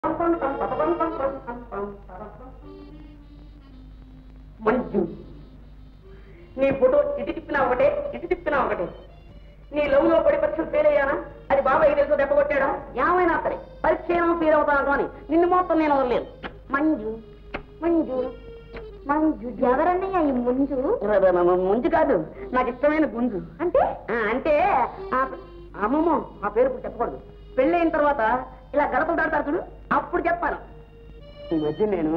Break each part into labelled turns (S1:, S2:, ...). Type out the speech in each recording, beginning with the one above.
S1: మంజు, నీ ఫోటో ఇటు తిప్పినా ఒకటే, ఇటు తిప్పినా ఒకటే. నీ లవ్ లో పడి పరీక్షలు ఫెయిల్ అయ్యానా? అది బాబాయ్ తెలుసు దెబ్బ కొట్టాడా? ఏమైనా సరే పరీక్ష ఫెయిల్ అవుతాను కానీ నిన్ను మాత్రం నేను వదలలేదు. మంజు మంజు మంజు.
S2: ఎవరన్నయ్యా ఈ ముంజు?
S1: ముంజు కాదు, నాకు ఇష్టమైన గుంజు.
S2: అంటే
S1: అంటే అమ్మమ్మ ఆ పేరు చెప్పకూడదు. పెళ్ళైన తర్వాత ఇలా గడపలు దాడతారు చూడు, అప్పుడు చెప్పాను. ఈ మధ్య నేను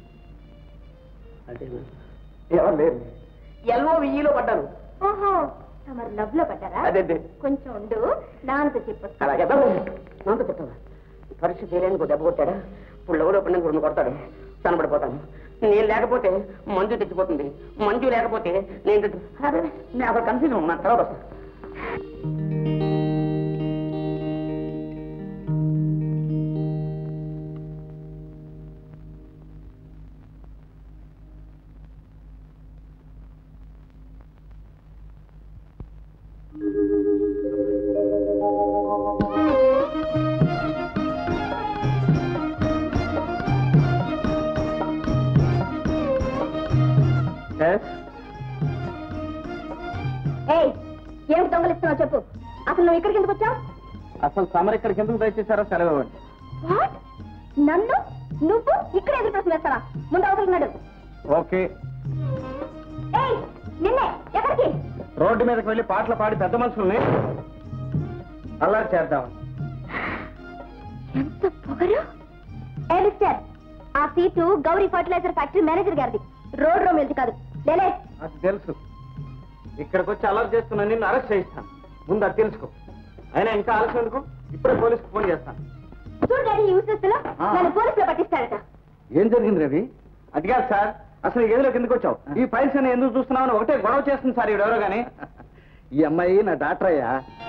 S1: అంటే ఎవరు లేరు, ఎల్ఓ విఈలో పడ్డాను.
S2: ఓహో, తమరు లవ్ లో పడ్డారా?
S1: అదే
S2: కొంచెం ఉండు, నాన్నతో చెప్పు.
S1: అలాగే నాతో చెప్తావా? పరీక్ష చేయలేని దెబ్బ కొట్టాడా? ఇప్పుడు లవ్లో పడిన రెండు కొడతాడు, కనబడిపోతాను. నేను లేకపోతే మంజు తెచ్చిపోతుంది, మంజు లేకపోతే నేను అక్కడ కన్ఫ్యూజన్ ఉన్నాను. తర్వాత వస్తాను.
S2: ఏమిటి దొంగలిస్తున్నావు చెప్పు. అసలు నువ్వు ఇక్కడికి ఎందుకు వచ్చావు?
S3: అసలు సమర్ ఇక్కడికి ఎందుకు దయచేశారో సెలవు ఇవ్వండి.
S2: నన్ను నువ్వు ఇక్కడ ఎదురు ప్రశ్న వేస్తావా? ముందు అవతలున్నాడు.
S3: ఓకే.
S2: నిన్నే ఎక్కడికి?
S3: రోడ్డు మీదకి వెళ్ళి పాటలు పాడి పెద్ద మనుషుల్ని అల్లరి చేద్దాం.
S2: ఎంత పొగరు! మిస్టర్, ఆ seat Gauri fertiliser factory manager గారిది, రోడ్ రో వెళ్తే కాదు. లేలే.
S3: అది తెలుసు. ఇక్కడికి వచ్చి అల్లరి చేస్తున్నా నిన్ను అరెస్ట్ చేయిస్తాను. ముందు అది తెలుసుకో. అయినా ఇంకా ఆలస్యం ఎందుకు? ఇప్పుడే పోలీసుకు ఫోన్ చేస్తాను.
S2: చూడండి, యూస్లెస్ లో నన్ను పోలీసులో పట్టిస్తాడట.
S3: ఏం జరిగింది రవి? అది కాదు సార్, అసలు గదిలోకి ఎందుకు వచ్చావు? ఈ ఫైల్స్ అని ఎందుకు చూస్తున్నావు? ఒకటే గొడవ చేస్తుంది సార్ ఎవరో గానీ. ఈ అమ్మాయి నా డాక్టర్ అయ్యా.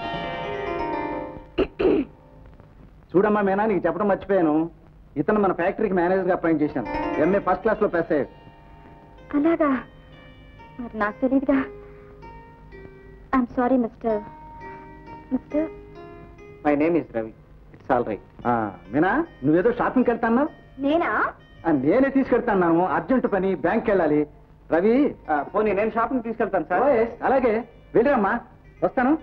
S3: చూడమ్మా మేనా, నీకు చెప్పడం మర్చిపోయాను. ఇతను మన ఫ్యాక్టరీకి మేనేజర్ గా అపాయింట్ చేశాను. ఎంఏ ఫస్ట్ క్లాస్ లో పాస్ అయ్యాడు.
S2: అలాగా? మరి నాకు తెలియదుగా. I'm sorry mister. Mister,
S3: my name is Ravi. It's all right. Meena, నువ్వేదో షాపింగ్కి వెళ్తాన్నావు?
S2: నేనా?
S3: నేనే తీసుకెళ్తాను. అర్జెంట్ పని, బ్యాంక్కి వెళ్ళాలి. రవి, పోనీ నేను షాపింగ్ తీసుకెళ్తాను సార్. అలాగే, వెళ్ళిరమ్మా, వస్తాను.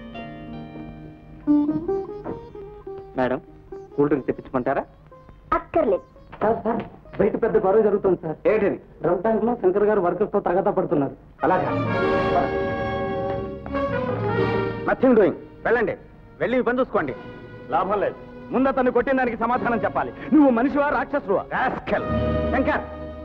S3: మేడం, కూల్ డ్రింక్ తెప్పించుకుంటారా?
S2: అక్కర్లేదు.
S3: బయట పెద్ద గొడవ జరుగుతుంది సార్. ఏంటది? డ్రమ్ ట్యాంక్ లో శంకర్ గారు వర్కర్స్ తో తగదా పడుతున్నారు. అలాగా? Nothing doing. వెళ్ళండి, వెళ్ళి పని చూసుకోండి. లాభం లేదు. ముందు అతన్ని కొట్టిన దానికి సమాధానం చెప్పాలి. నువ్వు మనిషివా రాక్షసువా? రాస్కెల్. శంకర్,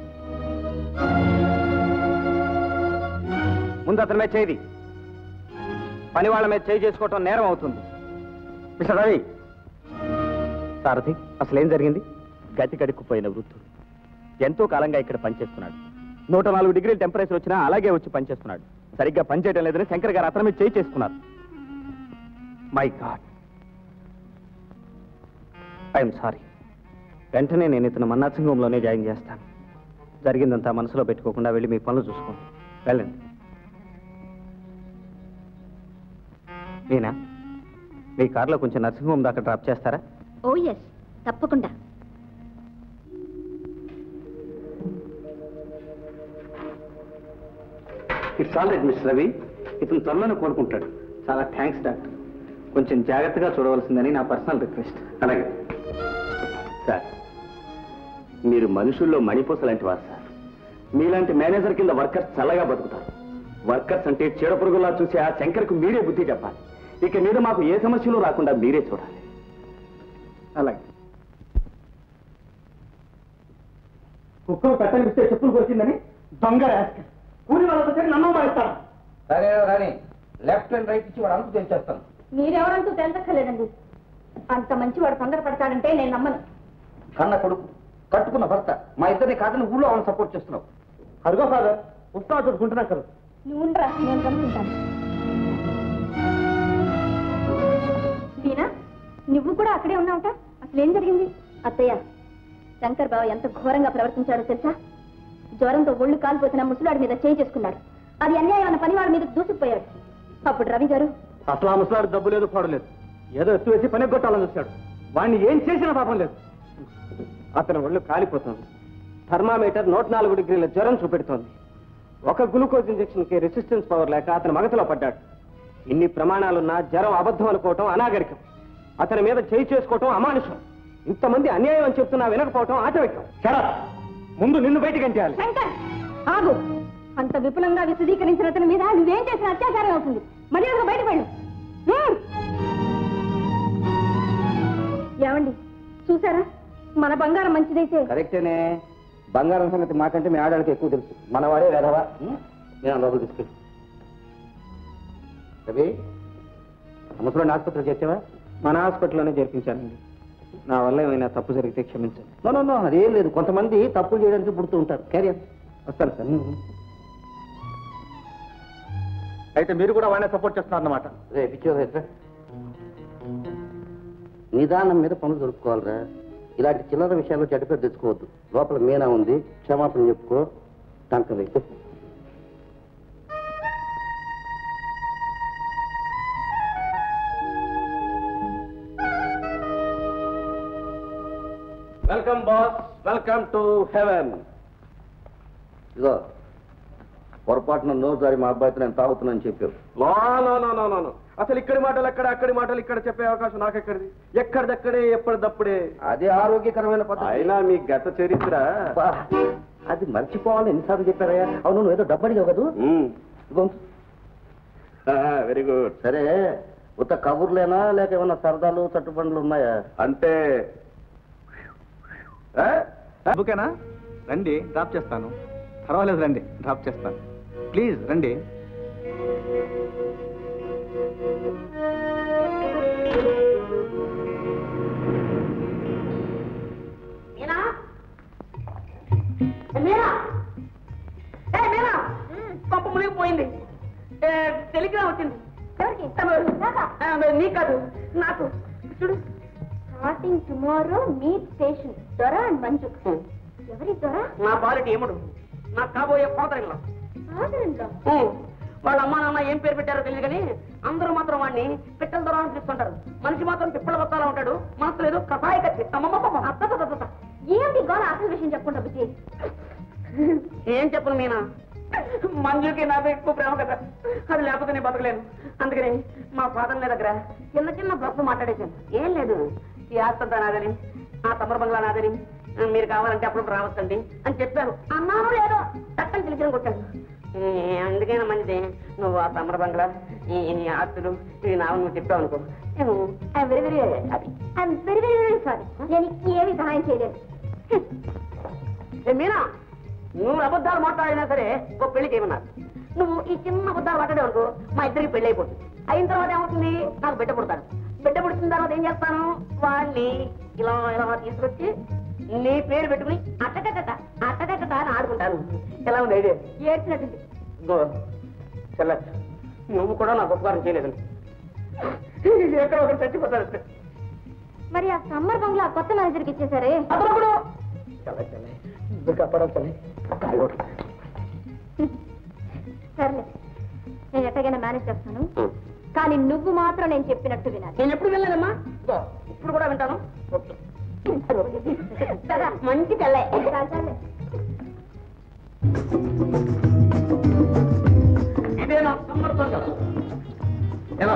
S3: ముందు అతని మీద చేయి. పని వాళ్ళ మీద చేయి చేసుకోవటం నేరం అవుతుంది. మిస్టర్ రవి. సారథి, అసలు ఏం జరిగింది?
S4: గతి కడుక్కుపోయిన వృద్ధుడు ఎంతో కాలంగా ఇక్కడ పనిచేస్తున్నాడు. 104 డిగ్రీల టెంపరేచర్ వచ్చినా అలాగే వచ్చి పనిచేస్తున్నాడు. సరిగ్గా పనిచేయడం లేదని శంకర్ గారు అతని మీద చేయి చేసుకున్నారు.
S3: My God, I'm sorry. వెంటనే నేను ఇతను మన్నాసింగంలోనే జాయిన్ చేస్తాను. జరిగిందంతా మనసులో పెట్టుకోకుండా వెళ్ళి మీ పనులు చూసుకోండి. వెళ్ళండి. నేనా మీ కార్లో కొంచెం నర్సింగ్ హోమ్ దాకా డ్రాప్ చేస్తారా?
S2: ఓ ఎస్, తప్పకుండా.
S3: It's all right mister Ravi. ఇతను త్వరలోనే కోరుకుంటాడు. చాలా థ్యాంక్స్ డాక్టర్. కొంచెం జాగ్రత్తగా చూడవలసిందని నా పర్సనల్ రిక్వెస్ట్.
S4: అలాగే సార్, మీరు మనుషుల్లో మణిపూస లాంటి వారు సార్. మీలాంటి మేనేజర్ కింద వర్కర్స్ చల్లగా బతుకుతారు. వర్కర్స్ అంటే చీడపురుగులా చూసి ఆ శంకర్కు మీరే బుద్ధి చెప్పాలి. ఇక మీద మాకు ఏ సమస్యలు రాకుండా మీరే చూడాలి.
S3: అలాగే. కుక్కలు పెట్టనిస్తే చెప్పులు కొరిచిందని దొంగ రాస్కెల్. కూలి వాళ్ళతో చెప్పి నన్ను మారుస్తాను. సరే రాని, లెఫ్ట్ అండ్ రైట్ ఇచ్చి వాడు అంతా తెలిసేస్తాను.
S2: మీరెవరంటూ తెలుసక్కర్లేదండి. అంత మంచి వాడు తొందరపడతాడంటే నేను నమ్మను.
S3: కన్న కొడుకు, కట్టుకున్న భర్త, మా ఇద్దరిని కాదని ఊళ్ళో వాళ్ళని సపోర్ట్ చేస్తున్నావు. అదిగో ఫాదర్, ఉత్సాహం చూసుకుంటున్నా కదా.
S2: నువ్వుండ్రా, నేను కనుక్కుంటాను. దీనా, నువ్వు కూడా అక్కడే ఉన్నావుట. అసలు ఏం జరిగింది? అత్తయ్య, శంకర్ బావ ఎంత ఘోరంగా ప్రవర్తించాడో తెలుసా? జ్వరంతో ఒళ్ళు కాలిపోతున్న ముసలాడి మీద చేయి చేసుకున్నాడు. అది అన్యాయం అన్న పని వాడి మీద దూసుకుపోయాడు. అప్పుడు రవి గారు,
S3: అసలు ఆ ముసలాడు డబ్బు లేదు, పాడలేదు, ఏదో ఎత్తు వేసి పని కొట్టాలని చూశాడు. వాడిని ఏం చేసినా పాపం లేదు. అతని ఒళ్ళు కాలిపోతుంది. థర్మామీటర్ 104 డిగ్రీల జ్వరం చూపెడుతోంది. ఒక గ్లూకోజ్ ఇంజెక్షన్కి రెసిస్టెన్స్ పవర్ లేక అతని మగతలో పడ్డాడు. ఇన్ని ప్రమాణాలున్నా జ్వరం అబద్ధం అనుకోవటం అనాగరికం. అతని మీద చేయి చేసుకోవటం అమానుషం. ఇంతమంది అన్యాయం అని చెప్తున్నా వినకపోవటం ఆటవికం. సరే, ముందు నిన్ను బయటికి ఎంచేయాలి.
S2: శంకర్ ఆగు. అంత విపులంగా విశదీకరించిన అతని మీద నువ్వేం చేసిన అత్యాచారం అవుతుంది. మర్యాదగా బయటకు వెళ్ళు. ఏమండి చూసారా, మన బంగారం మంచిదైతే.
S3: కరెక్టేనే. బంగారం సంగతి మాకంటే మీ ఆడవాళ్ళకి ఎక్కువ తెలుసు. మనవాడే వేదవా. నేను లోపల తీసుకెళ్ళి రవి, ముసలోని ఆసుపత్రిలో చేర్చావా? మన హాస్పిటల్లోనే చేర్పించానండి. నా వల్ల ఏమైనా తప్పు జరిగితే క్షమించండి. నో అదేం లేదు. కొంతమంది తప్పులు చేయడానికి పుడుతూ ఉంటారు. క్యారియర్ వస్తాను సార్. అయితే మీరు కూడా వాడినే సపోర్ట్ చేస్తున్నారన్నమాట. రే పిచ్చోదా, నిదానం మీద పనులు దొరుకుకోవాలరా. ఇలాంటి చిల్లర విషయాల్లో చెడ్డపేరు తెచ్చుకోవద్దు. లోపల మీనా ఉంది, క్షమాపణ చెప్పుకో. టంక వైపు welcome boss, welcome to heaven. ఇదో పొరపాటున నోసారి మా అబ్బాయితో నేను తాగుతున్నాను చెప్పావు. నో, అసలు ఇక్కడి మాటలు అక్కడ, అక్కడి మాటలు ఇక్కడ చెప్పే అవకాశం నాకెక్కడిది? ఎక్కడిదక్కడే, ఎప్పటిదప్పుడే. అదే ఆరోగ్యకరమైన పద్ధతి. అయినా మీ గత చరిత్ర అది మర్చిపోవాలని ఎన్నిసార్లు చెప్పారయ్యా? అవును, నువ్వు ఏదో డబ్బడిగా కదూ. Very good. సరే, ఉత్త కబుర్లేనా లేక ఏమన్నా సరదాలు చట్టుబండ్లు ఉన్నాయా? అంటే ఓకేనా? రండి, డ్రాప్ చేస్తాను. పర్వాలేదు, రండి, డ్రాప్ చేస్తాను. ప్లీజ్ రండి.
S1: పంప మునిగిపోయింది. టెలిగ్రామ్ వచ్చింది. నీ కాదు, నాకు. చూడు,
S2: స్టార్టింగ్ టుమారో మీట్ స్టేషన్. దొర అండ్ మంజు. ఎవరి దొర?
S1: నా బాలిటి ఏముడు, నాకు కాబోయే ఫాదర్-ఇన్-లా. వాళ్ళ అమ్మా నాన్న ఏం పేరు పెట్టారో తెలియదు కానీ అందరూ మాత్రం వాడిని పిట్టల దొర అని పిలుస్తుంటారు. మనిషి మాత్రం పిప్పల బత్తాలా ఉంటాడు. మనసు లేదు, కథాయి కత్తి.
S2: ఏమిటి గోళ? అసలు విషయం చెప్పుకుంటా బుజ్జి.
S1: ఏం చెప్పను మీనా, మంజుకి నాకు ఎక్కువ ప్రేమ కదా. అది లేకపోతే నేను బతకలేను. అందుకని మా ఫాదర్ దగ్గర చిన్న బ్లఫ్ మాట్లాడేశాను. ఏం లేదు, ఈ ఆస్తంతా నాదని, ఆ తమర బంగ్లా నాదని, మీరు కావాలంటే అప్పుడు రావచ్చండి అని చెప్పాను. అన్నాను లేదో చట్టం తెలిసిన కొట్టాను. అందుకైనా మంచిది నువ్వు ఆ తమర బంగ్లా, ఈ ఆస్తులు, ఇవి నావు నువ్వు చెప్పావు అనుకో.
S2: Very very sorry. నేను ఏమి సహాయం చేయలేదు.
S1: మీనా, నువ్వు అబద్ధాలు మాట్లాడినా సరే ఓ పెళ్లి చేయమన్నారు. నువ్వు ఈ చిన్న అబద్ధాలు మాట్లాడే వరకు మా ఇద్దరికి పెళ్లి అయిపోతుంది. అయిన తర్వాత ఏమవుతుంది, నాకు బిడ్డ పుడతాడు. బిడ్డ పుడుతున్న తర్వాత ఏం చేస్తాను, వాడిని ఇలా ఇలా తీసుకొచ్చి నీ పేరు పెట్టుకుని అట్టకట్ట అని ఆడుకుంటాను. ఎలా ఉంది ఐడియా?
S2: ఏడ్చినట్టుంది.
S1: చెల్ల, నువ్వు కూడా నాకు ఉపకారం చేయలేదు. ఎక్కడ ఒకరు చచ్చిపోతారు.
S2: మరి ఆ సమ్మర్ బంగ్లా కొత్త మేనేజర్కి ఇచ్చేసారే?
S1: అప్పుడు కాపాడాలి.
S2: సర్లే, నేను ఎట్టగైనా మేనేజ్ చేస్తాను. కానీ నువ్వు మాత్రం నేను చెప్పినట్టు వినాలి.
S1: నేను ఎప్పుడు వెళ్ళానమ్మా, ఇప్పుడు కూడా వింటాను.
S2: మంచి తెల్లే.
S1: ఇదే నా సమ్మర్తో కాదు. ఎలా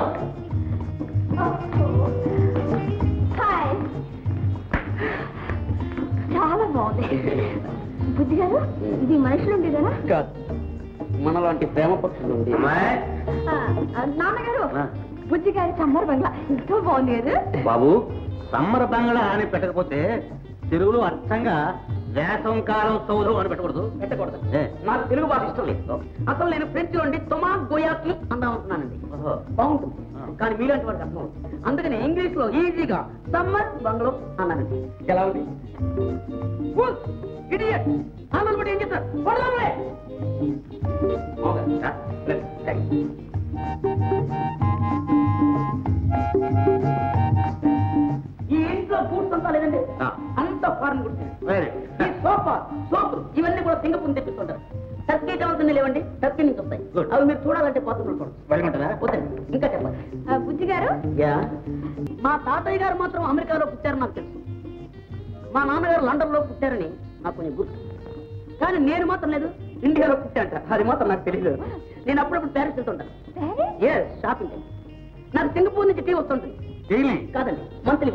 S2: చాలా బాగుంది. బుద్ధి గారు, ఇది మనుషులు ఉండేదేనా?
S1: కాదు, మనలాంటి ప్రేమ పక్షులు ఉంది.
S2: నాన్నగారు, బుద్ధి గారి సమ్మర్ బంగ్లా ఎంతో బాగుంది కదా
S3: బాబు. సమ్మర్ బంగ్లా అని పెట్టకపోతే తెలుగులో అర్థంగా వేసం కాలం సౌధం అని పెట్టకూడదు.
S1: నాకు తెలుగు భాష ఇష్టం లేదు. అసలు నేను ఫ్రెంచ్ నుండి తొమా గోయాకి అందామనుకున్నానండి. బాగుంటుంది, కానీ మీలాంటి వాడికి అర్థం అవుతుంది. అందుకని ఇంగ్లీష్ లో ఈజీగా సమ్మర్ బంగ్లో అన్నానండి. ఎలా ఉంది? ఇడియట్. ఆంధ్రలో ఏం చెప్తారు? ఈ ఇంట్లో ఫుడ్స్ అంతా లేదండి, అంత ఫారెన్ గుడ్స్. ఈ సోఫా, సోపులు ఇవన్నీ కూడా సింగపూర్ తెప్పిస్తుంటారు. టర్కీ కావాల్సింది లేవండి, టర్కీ నుంచి వస్తాయి. అవి మీరు చూడాలంటే పోతుంటారు. ఇంకా చెప్పండి
S2: బుద్ధి గారు.
S1: మా తాతయ్య గారు మాత్రం అమెరికాలో పుట్టారు నాకు తెలుసు. మా నాన్నగారు లండన్లో పుట్టారని నాకు కొంచెం గుర్తు. కానీ నేను మాత్రం లేదు, ఇండియాలో పుట్టాంట. అది మాత్రం నాకు తెలియదు. నేను అప్పుడప్పుడు ప్యారిస్ వెళ్తుంటాను. Shopping time. నాకు సింగపూర్ నుంచి టీ వస్తుంటుంది. కాదండి, మంత్లీ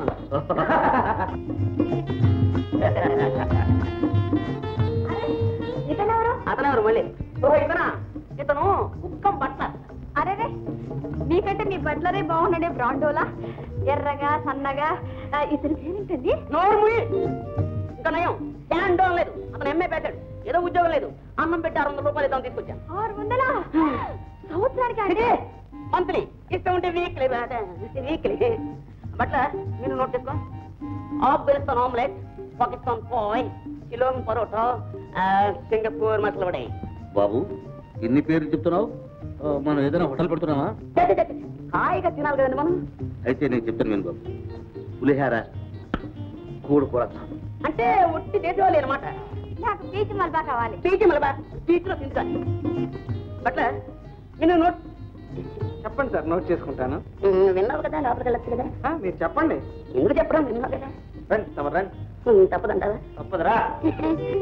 S1: అతనెవరు మళ్ళీ? ఓహో ఇతనా? ఇతను కుక్కం బట్లర్.
S2: అరే మీకంటే మీ బట్లరే బాగున్నాడే, బ్రాండోలా ఎర్రగా సన్నగా. ఇతని పేరేంటండి?
S1: నోర్ముయి. ఇంకా నయం, శాండోన్ లేదు. అతను ఎంఏ పెట్టాడు, ఏదో ఉద్యోగం లేదు. అన్నం పెట్టి 600 రూపాయలు ఇద్దాం తీసుకొచ్చాను.
S2: 600 సంవత్సరానికి అంటే?
S1: మంత్లీ. ఇష్టం ఉంటే వీక్లీ. వీక్లీ. బట్లర్ మీరు నోట్ చేసుకో. ఆఫ్ఘనిస్తాన్ ఆమ్లెట్, పాకిస్తాన్ పాయ్, సిలోన్ పరోటా, సింగపూర్ మసాలా వడ.
S3: బాబు ఇన్ని పేర్లు చెప్తున్నావు, మనం ఏదైనా హోటల్ పెడుతున్నావా?
S1: హాయిగా తినాలి కదండి మనం.
S3: అయితే నేను చెప్తాను నేను బాబు. పులిహార, కూడుకూర
S1: అంటే ఒట్టి దేశవాళీ అనమాట.
S2: నాకు పీచు మల్బా కావాలి.
S1: పీచి మలబా పీచులో తింటాను. బట్లర్ మీరు నోట్
S5: చెప్పండి సార్, నోట్ చేసుకుంటాను.
S1: విన్నావు కదా, లోపలికి వెళ్ళచ్చు కదా.
S5: మీరు చెప్పండి.
S1: ఎందుకు చెప్పడం? విన్నావు కదా.
S5: రండి, తమరు రండి.
S1: తప్పదంటావా?
S5: తప్పదురా.